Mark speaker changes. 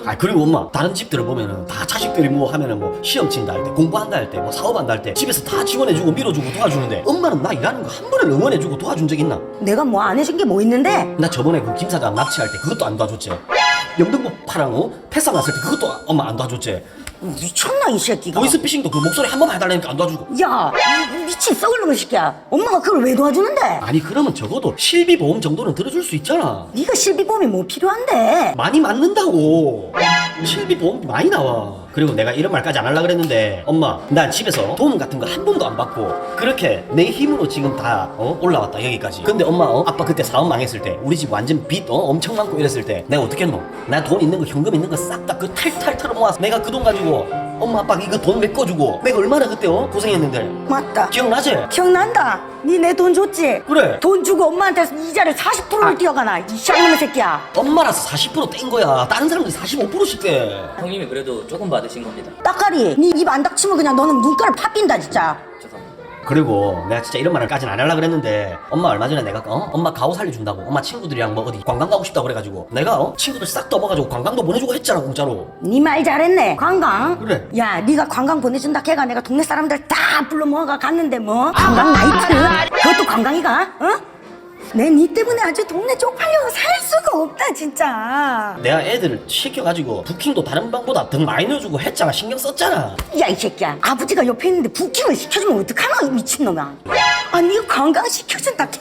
Speaker 1: 아 그리고 엄마 다른 집들을 보면은 다 자식들이 뭐 하면은 뭐 시험 친다 할 때 공부한다 할 때 뭐 사업한다 할 때 집에서 다 지원해주고 밀어주고 도와주는데 엄마는 나 일하는 거 한 번을 응원해주고 도와준 적 있나?
Speaker 2: 내가 뭐 안 해준 게 뭐 있는데?
Speaker 1: 나 저번에 그 김 사장 납치할 때 그것도 안 도와줬지. 영등포 파랑 패사 났을 때 그것도 엄마 안 도와줬지.
Speaker 2: 미쳤나 이 새끼가.
Speaker 1: 보이스피싱도 그 목소리 한 번만 해달라니까 안 도와주고.
Speaker 2: 야, 이 미친 썩을 놈의 새끼야. 엄마가 그걸 왜 도와주는데?
Speaker 1: 아니 그러면 적어도 실비보험 정도는 들어줄 수 있잖아.
Speaker 2: 네가 실비보험이 뭐 필요한데?
Speaker 1: 많이 맞는다고. 실비보험이 많이 나와. 그리고 내가 이런 말까지 안 하려고 그랬는데 엄마 난 집에서 도움 같은 거 한 번도 안 받고 그렇게 내 힘으로 지금 다 올라왔다 여기까지. 근데 엄마 아빠 그때 사업 망했을 때 우리 집 완전 빚 엄청 많고 이랬을 때 내가 어떻게 했노? 나 돈 있는 거 현금 있는 거 싹 다 그 탈탈 털어 모아서 내가 그 돈 가지고 엄마 아빠 이거 돈 메꿔주고 내가 얼마나 그때 고생했는데.
Speaker 2: 맞다.
Speaker 1: 기억나지?
Speaker 2: 기억난다. 니 내 돈 줬지?
Speaker 1: 그래.
Speaker 2: 돈 주고 엄마한테 이자를 40%를 띄어가나 이 쌍놈의 새끼야.
Speaker 1: 엄마라서 40%뗀 거야. 다른 사람들이 45%씩 떼.
Speaker 3: 형님이 그래도 조금 받으신 겁니다.
Speaker 2: 따까리, 니 입 안 닥치면 그냥 너는 눈가를 팥빈다 진짜.
Speaker 3: 죄송합니다.
Speaker 1: 그리고 내가 진짜 이런 말을까지는 안 하려고 그랬는데 엄마 얼마 전에 내가 엄마 가오 살려준다고 엄마 친구들이랑 뭐 어디 관광 가고 싶다고 그래가지고 내가 친구들 싹 떠먹어가지고 관광도 보내주고 했잖아 공짜로.
Speaker 2: 니 말 잘했네. 관광.
Speaker 1: 그래.
Speaker 2: 야, 니가 관광 보내준다 걔가 내가 동네 사람들 다 불러 모아가 갔는데 뭐 관광 나이트? 그것도 관광이가? 어? 내 니 때문에 아주 동네 쪽팔려 살 수가 없다 진짜.
Speaker 1: 내가 애들을 시켜가지고 부킹도 다른 방보다 더 많이 넣어주고 했잖아. 신경 썼잖아.
Speaker 2: 야 이 새끼야, 아버지가 옆에 있는데 부킹을 시켜주면 어떡하나 이 미친놈아. 아 니가 관광 시켜준다 걔